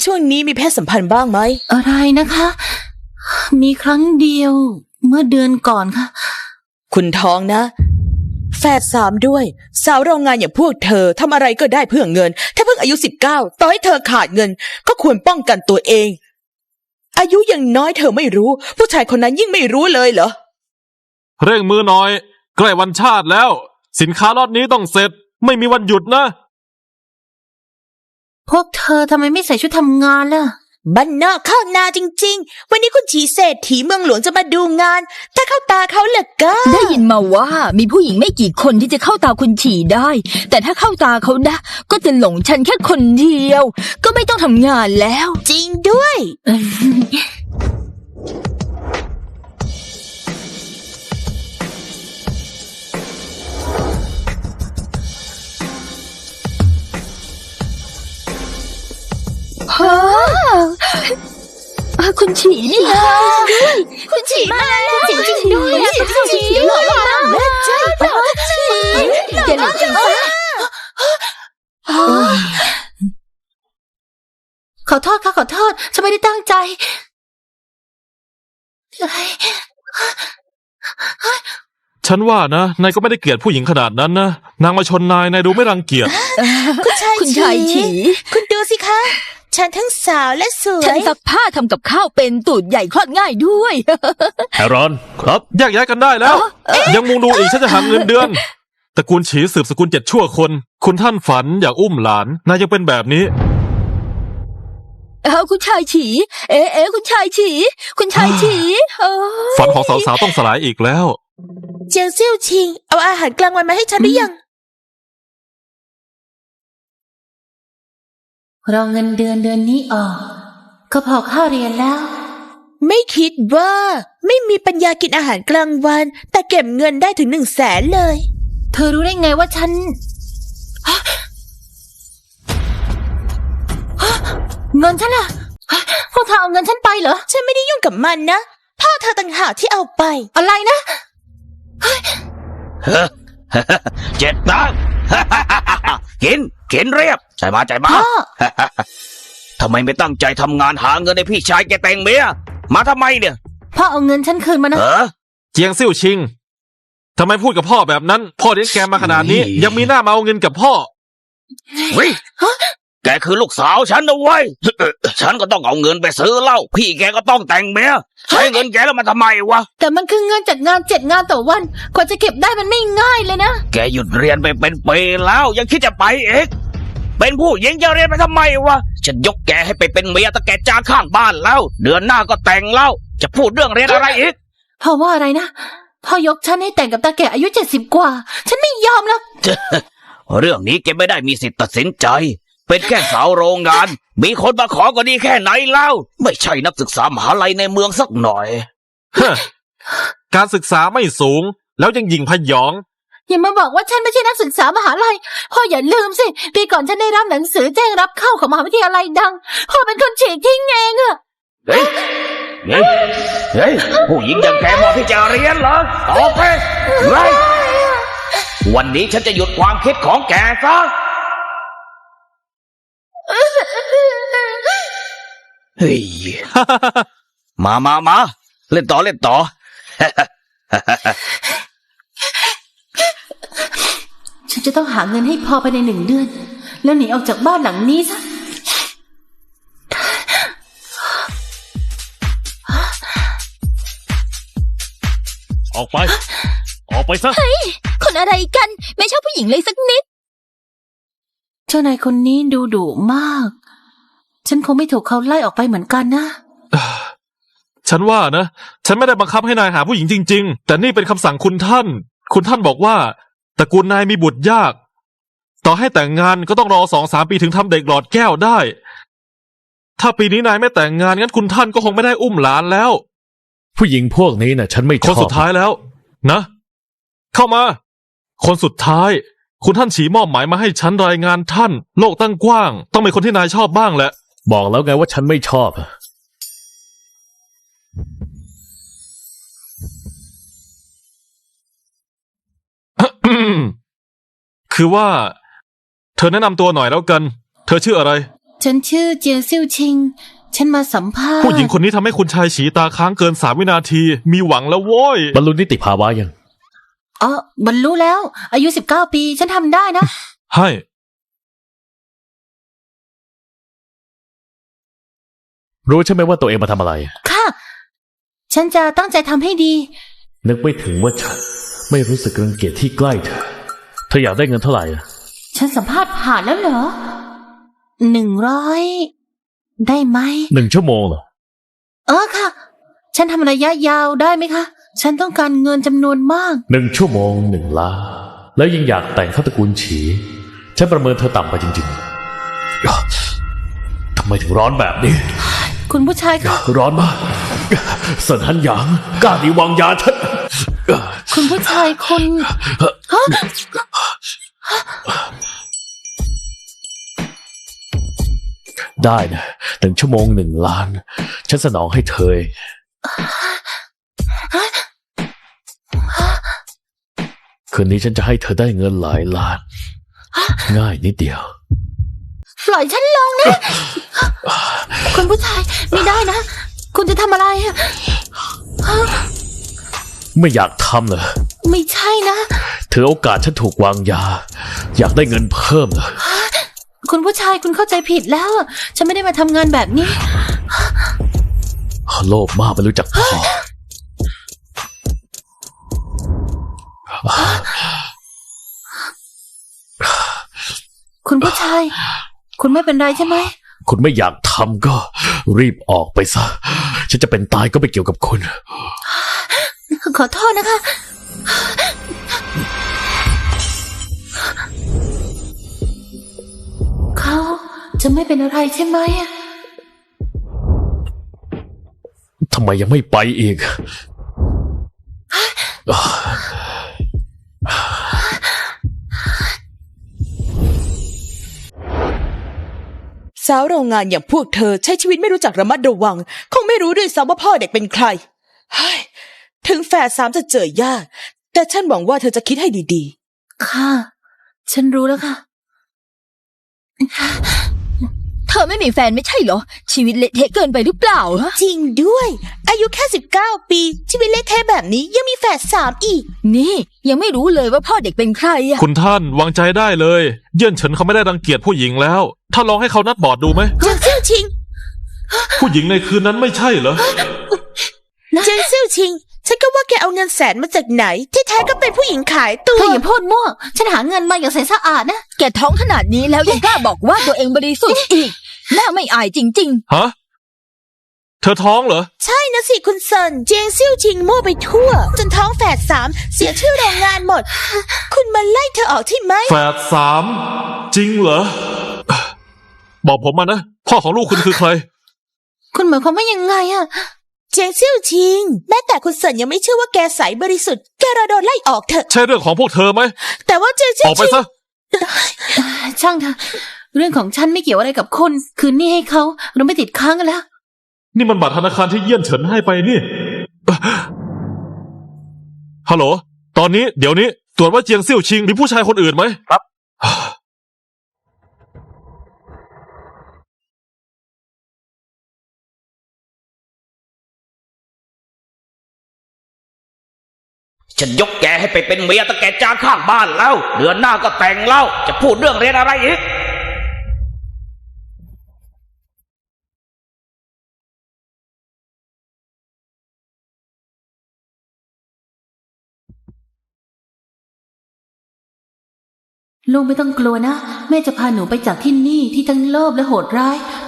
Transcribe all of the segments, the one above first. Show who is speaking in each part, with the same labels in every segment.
Speaker 1: ช่วงนี้มีเพศสัมพันธ์บ้างไหม
Speaker 2: อะไรนะคะ มีครั้งเดียวเมื่อเดือนก่อนค่ะ
Speaker 1: คุณท้องนะแฝด3ด้วยสาวโรงงานอย่างพวกเธอทำอะไรก็ได้เพื่อเงินถ้าเพิ่งอายุ19ต่อให้เธอขาดเงินก็ควรป้องกันตัวเองอายุยังน้อยเธอไม่รู้ผู้ชายคนนั้นยิ่งไม่รู้เลยเหรอ
Speaker 3: เร่งมือหน่อยใกล้วันชาติแล้วสินค้าล็อตนี้ต้องเสร็จไม่มีวันหยุดนะ
Speaker 2: พวกเธอทำไมไม่ใส่ชุดทำงานล่ะ
Speaker 1: บ้านนอกข้างนาจริงๆวันนี้คุณฉีเศรษฐีเมืองหลวงจะมาดูงานถ้าเข้าตาเขาเหลือก็
Speaker 4: ได้ยินมาว่ามีผู้หญิงไม่กี่คนที่จะเข้าตาคุณฉีได้แต่ถ้าเข้าตาเขานะก็จะหลงฉันแค่คนเดียวก็ไม่ต้องทำงานแล้ว
Speaker 1: จริงด้วย
Speaker 4: คุณฉีนี่ค่ะ
Speaker 1: คุณฉีมาแล้วจริงๆด้วยคุณฉีหล่อมากใช่หล่อ
Speaker 4: แกหล่อจริงปะ
Speaker 2: ขอโทษค่ะขอโทษฉันไม่ได้ตั้งใจ
Speaker 3: ฉันว่านะนายก็ไม่ได้เกลียดผู้หญิงขนาดนั้นนะนางมาชนนายดูไม่รังเกียจ
Speaker 1: คุณชายฉีคุณดูสิคะฉันทั้งสาวและสวย
Speaker 4: ฉันซักผ้าทำกับข้าวเป็นตูดใหญ่คลอดง่ายด้วย
Speaker 3: แอรอนครับแยกย้ายกันได้แล้วยังมุงดูอีกฉันจะหักเงินเดือนตระกูลฉีสืบสกุล7ชั่วคนคุณท่านฝันอยากอุ้มหลานนายยังเป็นแบบนี้
Speaker 4: คุณชายฉีคุณชายฉีคุณชายฉี
Speaker 3: ฝันของสาวๆต้องสลายอีกแล้ว
Speaker 1: เจียวเซี่ยวชิงเอาอาหารกลางวันมาให้ฉันหรือยัง
Speaker 2: เราเงินเดือนนี้ออกก็พอค่าเรียนแล้ว
Speaker 1: ไม่คิดว่าไม่มีปัญญากินอาหารกลางวันแต่เก็บเงินได้ถึง100,000เลย
Speaker 2: เธอรู้ได้ไงว่าฉันเงินฉันอะพวกเธอเอาเงินฉันไปเหรอ
Speaker 1: ฉันไม่ได้ยุ่งกับมันนะพ่อเธอต่างหากที่เอาไป
Speaker 2: อะไรนะ
Speaker 5: 7 ตังค์กินเรียบใจมาทำไมไม่ตั้งใจทำงานหาเงินให้พี่ชายแกแต่งเมียมาทำไมเนี่ย
Speaker 2: พ่อเอาเงินฉันคืนมานะ
Speaker 3: เจียงซิ่วชิงทำไมพูดกับพ่อแบบนั้นพ่อเลี้ยงแกมาขนาดนี้ยังมีหน้ามาเอาเงินกับพ่อ
Speaker 5: วิแกคือลูกสาวฉันนะเว้ยฉันก็ต้องเอาเงินไปซื้อเหล้าพี่แกก็ต้องแต่งเมียใช้เงินแกแล้วมาทำไมวะ
Speaker 2: แต่มันคือเงินจัดงาน7 งานต่อวันกว่าจะเก็บได้มันไม่ง่ายเลยนะ
Speaker 5: แกหยุดเรียนไปเป็นปีแล้วยังคิดจะไปเองเป็นผู้หญิงจะเรียนไปทำไมวะฉันยกแกให้ไปเป็นเมียตะแกจานข้างบ้านแล้วเดือนหน้าก็แต่งแล้วจะพูดเรื่องเรียนอะไรอีก
Speaker 2: พ่อว่าอะไรนะพ่อยกฉันให้แต่งกับตาแก่อายุ70 กว่าฉันไม่ยอมหรอก
Speaker 5: เรื่องนี้แกไม่ได้มีสิทธิ์ตัดสินใจเป็นแค่สาวโรงงานมีคนมาขอก็ดีแค่ไหนแล้วไม่ใช่นักศึกษามหาลัยในเมืองสักหน่อย
Speaker 3: การศึกษาไม่สูงแล้วยังหยิ่งพยอง
Speaker 2: อย่ามาบอกว่าฉันไม่ใช่นักศึกษามหาลัยพ่ออย่าลืมสิปีก่อนฉันได้รับหนังสือแจ้งรับเข้าของมหาวิทยาลัยดังพ่อเป็นคนฉีกทิ้งเองอะ
Speaker 5: เฮ้ยผู้หญิงอย่างแกเหมาะที่จะเรียนเหรอต่อไปวันนี้ฉันจะหยุดความคิดของแกซะเฮ้ยมาเล่นต่อ
Speaker 2: ฉันจะต้องหาเงินให้พอภายใน1 เดือนแล้วหนีออกจากบ้านหลังนี้ซะ
Speaker 3: ออกไปซะ
Speaker 4: เฮ้ยคนอะไรกันไม่ชอบผู้หญิงเลยสักนิด
Speaker 2: เจ้านายคนนี้ดูดุมากฉันคงไม่ถูกเขาไล่ออกไปเหมือนกันนะ
Speaker 3: ฉันว่านะฉันไม่ได้บังคับให้นายหาผู้หญิงจริงๆแต่นี่เป็นคำสั่งคุณท่านบอกว่าตระกูลนายมีบุตรยากต่อให้แต่งงานก็ต้องรอ2-3 ปีถึงทำเด็กหลอดแก้วได้ถ้าปีนี้นายไม่แต่งงานงั้นคุณท่านก็คงไม่ได้อุ้มหลานแล้ว
Speaker 6: ผู้หญิงพวกนี้น่ะฉันไม่ชอบ
Speaker 3: คนสุดท้ายแล้วนะเข้ามาคนสุดท้ายคุณท่านฉีมอบหมายมาให้ฉันรายงานท่านโลกตั้งกว้างต้องเป็นคนที่นายชอบบ้างแหละ
Speaker 6: บอกแล้วไงว่าฉันไม่ชอบ
Speaker 3: คือว่าเธอแนะนำตัวหน่อยแล้วกันเธอชื่ออะไร
Speaker 2: ฉันชื่อเจียงซิ่วชิง ฉันมาสัมภาษณ์
Speaker 3: ผู้หญิงคนนี้ทำให้คุณชายฉีตาค้างเกิน3 วินาที มีหวังแล้วโว้ย
Speaker 6: บรรลุนิติภาวะยัง
Speaker 2: อ๋อบรรลุแล้ว อายุ19 ปี ฉันทำได้นะ
Speaker 3: ให้
Speaker 6: รู้ใช่ไหมว่าตัวเองมาทำอะไร
Speaker 2: ค่ะ ฉันจะตั้งใจทำให้ดี
Speaker 6: นึกไม่ถึงว่าฉันไม่รู้สึกรังเกียจที่ใกล้เธอ เธออยากได้เงินเท่าไหร่อะ
Speaker 2: ฉันสัมภาษณ์ผ่านแล้วเหรอ100 ได้ไหม
Speaker 6: 1 ชั่วโมงเหรอ
Speaker 2: ค่ะ ฉันทำระยะยาวได้ไหมคะ ฉันต้องการเงินจำนวนมาก
Speaker 6: 1 ชั่วโมง 1 ล้าน แล้วยังอยากแต่งเข้าตระกูลฉี ฉันประเมินเธอต่ำไปจริงๆทำไมถึงร้อนแบบนี้
Speaker 2: คุณผู้ชายคะ
Speaker 6: ร้อนมากเสินหันหยางกล้าดีวางยาฉัน
Speaker 2: คุณผู้ชายคุณฮะ
Speaker 6: ได้นะ1 ชั่วโมง 1 ล้าน ฉันสนองให้เธอเองคืนนี้ฉันจะให้เธอได้เงินหลายล้าน ง่ายนิดเดียว
Speaker 2: ปล่อยฉันลงนะ คุณผู้ชายไม่ได้นะ คุณจะทำอะไรอะ
Speaker 6: ไม่อยากทำเหรอ
Speaker 2: ไม่ใช่นะ
Speaker 6: ถือโอกาสฉันถูกวางยา อยากได้เงินเพิ่มเหรอ
Speaker 2: คุณผู้ชายคุณเข้าใจผิดแล้วอะฉันไม่ได้มาทำงานแบบนี้
Speaker 6: โลภมากไม่รู้จักพอ
Speaker 2: คุณผู้ชาย คุณไม่เป็นไรใช่ไหม
Speaker 6: คุณไม่อยากทำก็รีบออกไปซะ ฉันจะเป็นตายก็ไม่เกี่ยวกับคุณ
Speaker 2: ขอโทษนะคะ เขาจะไม่เป็นอะไรใช่ไหมอะ
Speaker 6: ทำไมยังไม่ไปอีก
Speaker 1: สาวโรงงานอย่างพวกเธอใช้ชีวิตไม่รู้จักระมัดระวัง คงไม่รู้ด้วยซ้ำว่าพ่อเด็กเป็นใครเฮ้ยถึงแฝด3จะเจอยาก แต่ฉันหวังว่าเธอจะคิดให้ดี
Speaker 2: ค่ะ ฉันรู้แล้วค่ะ
Speaker 4: เธอไม่มีแฟนไม่ใช่เหรอ ชีวิตเละเทะเกินไปหรือเปล่าฮะ
Speaker 1: ๆ จริงด้วย อายุแค่19 ปี ชีวิตเละเทะแบบนี้ยังมีแฝด3อีก
Speaker 4: นี่ยังไม่รู้เลยว่าพ่อเด็กเป็นใครอะ
Speaker 3: คุณท่านวางใจได้เลย เยื่อนเฉินเขาไม่ได้รังเกียจผู้หญิงแล้ว ถ้าลองให้เขานัดบอร์ดดูไหม
Speaker 1: เจียงซิ่วชิง
Speaker 3: ผู้หญิงในคืนนั้นไม่ใช่เหรอ
Speaker 1: เจียงซิ่วชิง ฉันก็ว่าแกเอาเงิน100,000มาจากไหน ที่แท้ก็เป็นผู้หญิงขายตัว
Speaker 2: เธออย่าพูดมั่ว ฉันหาเงินมาอย่างใสสะอาดนะ
Speaker 4: แกท้องขนาดนี้แล้วยังกล้าบอกว่าตัวเองบริสุทธิ์อีก น่าไม่อายจริง
Speaker 3: ฮะ เธอท้องเหรอ
Speaker 1: ใช่นะสิคุณเซิน เจียงซิ่วชิงมั่วไปทั่ว จนท้องแฝด3เสียชื่อโรงงานหมด คุณมาไล่เธอออกใช่ไหม
Speaker 3: แฝด3 จริงเหรอ บอกผมมานะ พ่อของลูกคุณคือใคร
Speaker 2: คุณหมายความว่ายังไงอะ
Speaker 1: เจียงซิ่วชิง แม้แต่คุณเซินยังไม่เชื่อว่าแกใสบริสุทธิ์ แกรอโดนไล่ออกเถอะ
Speaker 3: ใช่เรื่องของพวกเธอไหม
Speaker 1: แต่ว่าเจียงซิ่
Speaker 3: อ
Speaker 1: ว
Speaker 3: อกไป
Speaker 1: ชิง
Speaker 3: ซะ
Speaker 2: ช่างเถอะเรื่องของฉันไม่เกี่ยวอะไรกับคุณ คืนนี้ให้เขาเราไม่ติดค้างกันแล้ว
Speaker 3: นี่มันบัตรธนาคารที่เยี่ยนเฉินให้ไปนี่ ฮัลโหล ตอนนี้เดี๋ยวนี้ตรวจว่าเจียงซิ่วชิงมีผู้ชายคนอื่นไหมครับ
Speaker 5: ฉันยกแกให้ไปเป็นเมียตะแกจางข้างบ้านแล้ว เดือนหน้าก็แต่งแล้ว จะพูดเรื่องเรียนอะไรอีก
Speaker 2: ลูกไม่ต้องกลัวนะ แม่จะพาหนูไปจากที่นี่ที่ทั้งโลภและโหดร้าย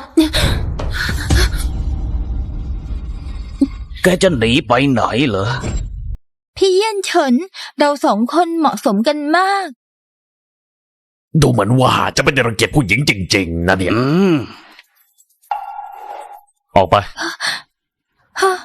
Speaker 5: แกจะหนีไปไหนเหรอ
Speaker 4: ๆ พี่เยี่ยนเฉิน เรา2 คนเหมาะสมกันมาก
Speaker 6: ดูเหมือนว่าจะไม่ได้รังเกียจผู้หญิงจริงๆนะเนี่ย ออกไป
Speaker 4: ฮะ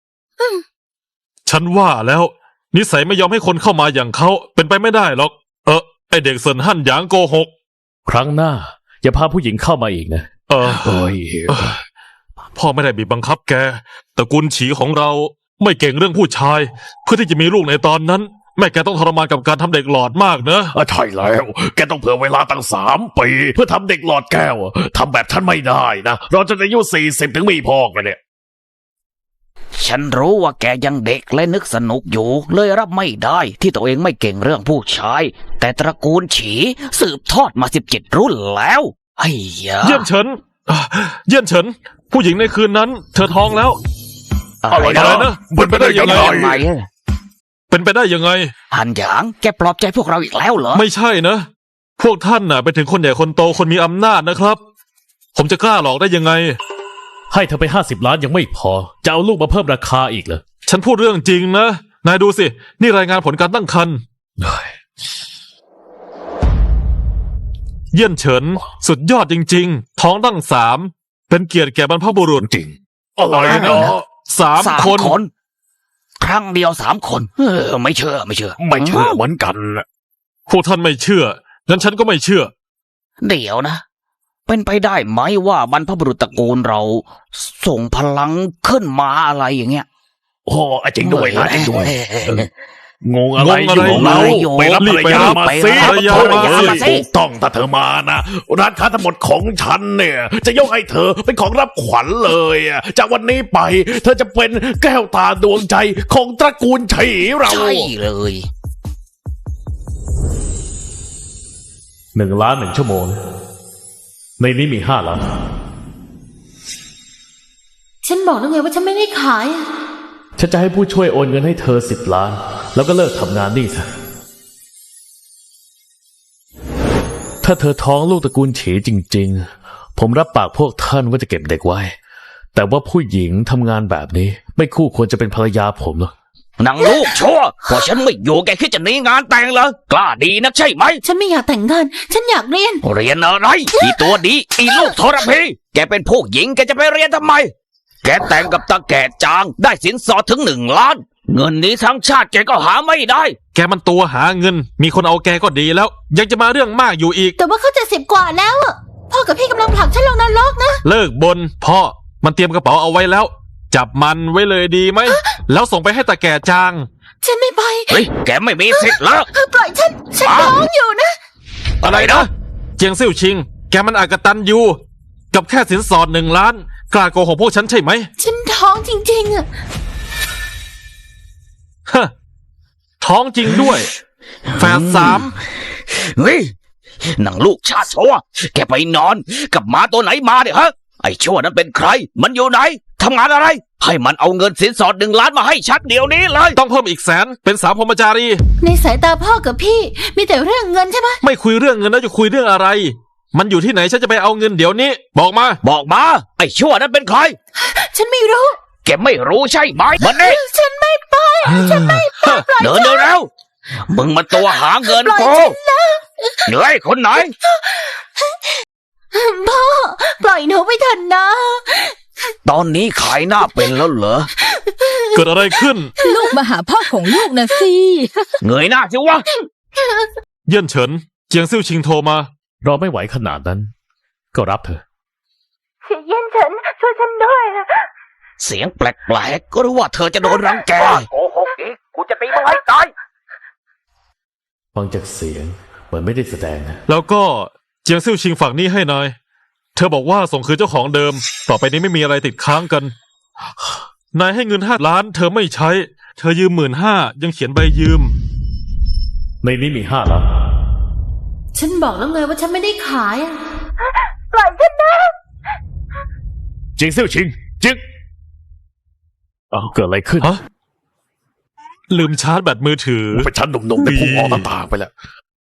Speaker 3: ฉันว่าแล้ว นิสัยไม่ยอมให้คนเข้ามาอย่างเขาเป็นไปไม่ได้หรอก ไอเด็กเซินหั่นหยางโกหก
Speaker 6: ครั้งหน้า อย่าพาผู้หญิงเข้ามาอีกนะ โอ้ย
Speaker 3: พ่อไม่ได้บีบบังคับแกตระกูลฉีของเราไม่เก่งเรื่องผู้ชาย เพื่อที่จะมีลูกในตอนนั้นแม่แกต้องทรมานกับการทำเด็กหลอดมากเนอะ
Speaker 6: ใช่แล้ว แกต้องเผื่อเวลาตั้ง3 ปี เพื่อทำเด็กหลอดแก้วทำแบบฉันไม่ได้นะ เราจะอายุ40ถึงมีพ่อกันเนี่ย
Speaker 5: ฉันรู้ว่าแกยังเด็กและนึกสนุกอยู่ เลยรับไม่ได้ที่ตัวเองไม่เก่งเรื่องผู้ชาย แต่ตระกูลฉีสืบทอดมา17 รุ่นแล้วไอ้ยา
Speaker 3: เยี่ยนเฉินเยี่ยนเฉิน ผู้หญิงในคืนนั้น เธอท้องแล้ว
Speaker 6: อะไร
Speaker 3: อะไร
Speaker 6: นะ
Speaker 3: นะ
Speaker 6: เป็นไปได้ยังไง
Speaker 5: ยังไง
Speaker 3: เป็นไปได้ยังไง
Speaker 5: หันหยางแกปลอบใจพวกเราอีกแล้วเหรอ
Speaker 3: ไม่ใช่นะ พวกท่านน่ะเป็นถึงคนใหญ่คนโตคนมีอำนาจนะครับ ผมจะกล้าหลอกได้ยังไง
Speaker 6: ให้เธอไป50 ล้านยังไม่พอ จะเอาลูกมาเพิ่มราคาอีกเหรอ
Speaker 3: ฉันพูดเรื่องจริงนะ นายดูสิ นี่รายงานผลการตั้งครรภ์เยี่ยนเฉิน สุดยอดจริง ๆ ท้องตั้ง3 เป็นเกียรติแก่บรรพบุรุษ
Speaker 6: จริง อะไรนะ
Speaker 3: 3 คน
Speaker 5: ครั้งเดียว3 คนไม่เชื่อ
Speaker 6: ไม่เชื่อเหมือนกัน
Speaker 3: พวกท่านไม่เชื่อ งั้นฉันก็ไม่เชื่อ
Speaker 5: เดี๋ยวนะ เป็นไปได้ไหมว่าบรรพบุรุษตระกูลเรา ส่งพลังขึ้นมาอะไรอย่างเงี้ย
Speaker 6: โอ้จริงด้วยนะจริงด้วย งงอะไร
Speaker 3: งงอะไร
Speaker 6: อยู่เรา
Speaker 5: อยู่
Speaker 6: ไปรับภรรยามาสิ
Speaker 3: ภรรยามาสิ
Speaker 6: ถูกต้องถ้าเธอมานะร้านค้าทั้งหมดของฉันเนี่ย จะยกให้เธอเป็นของรับขวัญเลยอะจากวันนี้ไป เธอจะเป็นแก้วตาดวงใจของตระกูลฉีเรา
Speaker 5: ใช่เลย
Speaker 6: 1 ล้าน 1 ชั่วโมง ในนี้มี5 ล้าน
Speaker 2: ฉันบอกแล้วไงว่าฉันไม่ได้ขายอะ
Speaker 6: ฉันจะให้ผู้ช่วยโอนเงินให้เธอ10 ล้าน แล้วก็เลิกทำงานนี่ซะ ถ้าเธอท้องลูกตระกูลฉีจริงๆ ผมรับปากพวกท่านว่าจะเก็บเด็กไว้ แต่ว่าผู้หญิงทำงานแบบนี้ ไม่คู่ควรจะเป็นภรรยาผมหรอก
Speaker 5: นางลูกชั่วพอฉันไม่อยู่แกคิดจะหนีงานแต่งเหรอกล้าดีนักใช่ไหม
Speaker 2: ฉันไม่อยากแต่งงาน ฉันอยากเรียน
Speaker 5: เรียนอะไรอีตัวดีอีลูกทรพีแกเป็นผู้หญิงแกจะไปเรียนทำไม แกแต่งกับตาแก่จางได้สินสอดถึง1 ล้าน เงินนี้ทั้งชาติแกก็หาไม่ได้
Speaker 3: แกมันตัวหาเงิน มีคนเอาแกก็ดีแล้ว ยังจะมาเรื่องมากอยู่อีก
Speaker 2: แต่ว่าเขา70 กว่าแล้วอะพ่อกับพี่กำลังผลักฉันลงนรกนะ
Speaker 3: เลิกบนพ่อ มันเตรียมกระเป๋าเอาไว้แล้ว จับมันไว้เลยดีไหม แล้วส่งไปให้ตาแก่จาง
Speaker 2: ฉันไม่ไป
Speaker 5: เฮ้ยแกไม่มีสิทธิ์แล้ว
Speaker 2: ปล่อยฉันท้องอยู่นะ
Speaker 3: อะไรนะ เจียงซิ่วชิง แกมันอากตันอยู่ กับแค่สินสอด1 ล้าน กล้าโกหกพวกฉันใช่ไหม
Speaker 2: ฉันท้องจริงๆอะ
Speaker 3: ฮะ ท้องจริงด้วย แฝด3
Speaker 5: เฮ้ยนางลูกชาติชั่วแกไปนอนกับหมาตัวไหนมาเนี่ยฮะ ไอ้ชั่วนั้นเป็นใคร มันอยู่ไหนทำงานอะไร ให้มันเอาเงินสินสอด1 ล้านมาให้ชัดเดี๋ยวนี้เลย
Speaker 3: ต้องเพิ่มอีก100,000เป็นสาวพรหมจารี
Speaker 2: ในสายตาพ่อกับพี่มีแต่เรื่องเงินใช่ไหม
Speaker 3: ไม่คุยเรื่องเงินแล้วจะคุยเรื่องอะไร มันอยู่ที่ไหนฉันจะไปเอาเงินเดี๋ยวนี้ บอกมา
Speaker 5: บอกมา ไอ้ชั่วนั้นเป็นใคร
Speaker 2: ฉันไม่รู้
Speaker 5: แกไม่รู้ใช่ไหมมันนี่
Speaker 2: ฉันไม่ไป
Speaker 5: เดินเร็วมึงมาตัวหาเงินกูเหนื่อยคนไหน
Speaker 2: พ่อปล่อยหนูไปเถอะนะ
Speaker 5: ตอนนี้ขายหน้าเป็นแล้วเหรอ
Speaker 3: เกิดอะไรขึ้น
Speaker 4: ลูกมาหาพ่อของลูกนะสิ
Speaker 5: เงยหน้าสิวะ
Speaker 3: เยี่ยนเฉิน เจียงซิ่วชิงโทรมา
Speaker 6: รอไม่ไหวขนาดนั้น ก็รับเถอะ
Speaker 2: เย็นฉันช่วยฉันด้วยนะ
Speaker 5: เสียงแปลกๆก็รู้ว่าเธอจะโดนรังแกโกหกอีกกูจะตีมึงให้ตาย
Speaker 6: ฟังจากเสียงเหมือนไม่ได้แสดงนะ
Speaker 3: แล้วก็เจียงซิ่วชิงฝากหนี้ให้นาย เธอบอกว่าส่งคืนเจ้าของเดิม ต่อไปนี้ไม่มีอะไรติดค้างกัน นายให้เงิน5 ล้าน เธอไม่ใช้ เธอยืม15,000ยังเขียนใบยืม
Speaker 6: ในนี้มี5 ล้าน
Speaker 2: ฉันบอกแล้วไงว่าฉันไม่ได้ขายอะปล่อยฉันนะ
Speaker 6: จิงเซี่ยวชิงจิงเอาเกิดอะไรขึ้น
Speaker 3: ฮะ ลืมชาร์จแบตมือถือ
Speaker 6: ไปชั้นหนุ่มๆแต่พุ่งออกหน้าต่างไปแล้ว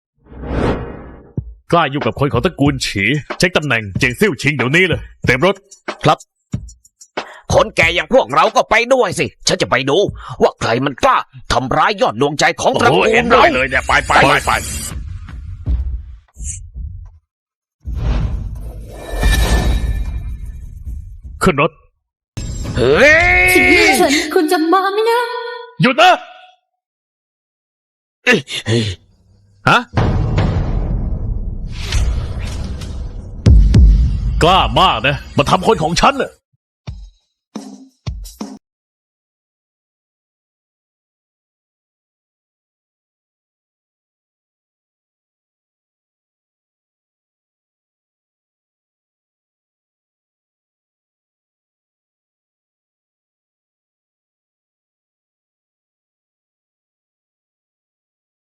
Speaker 6: กล้าอยู่กับคนของตระกูลฉี เช็คตำแหน่งเจียงซิ่วชิงเดี๋ยวนี้เลย เต็มรถ
Speaker 5: ครับ คนแก่อย่างพวกเราก็ไปด้วยสิ ฉันจะไปดูว่าใครมันกล้าทำร้ายยอดดวงใจของตระกูล
Speaker 6: เห็นด้วยเลยเนี่ย ไป ขึ้นรถ
Speaker 5: เฮ้ย
Speaker 2: ฉันคุณจะมาไหมนะ
Speaker 6: หยุดนะ
Speaker 3: ฮะ
Speaker 6: กล้ามากนะ มาทำคนของฉันน่ะ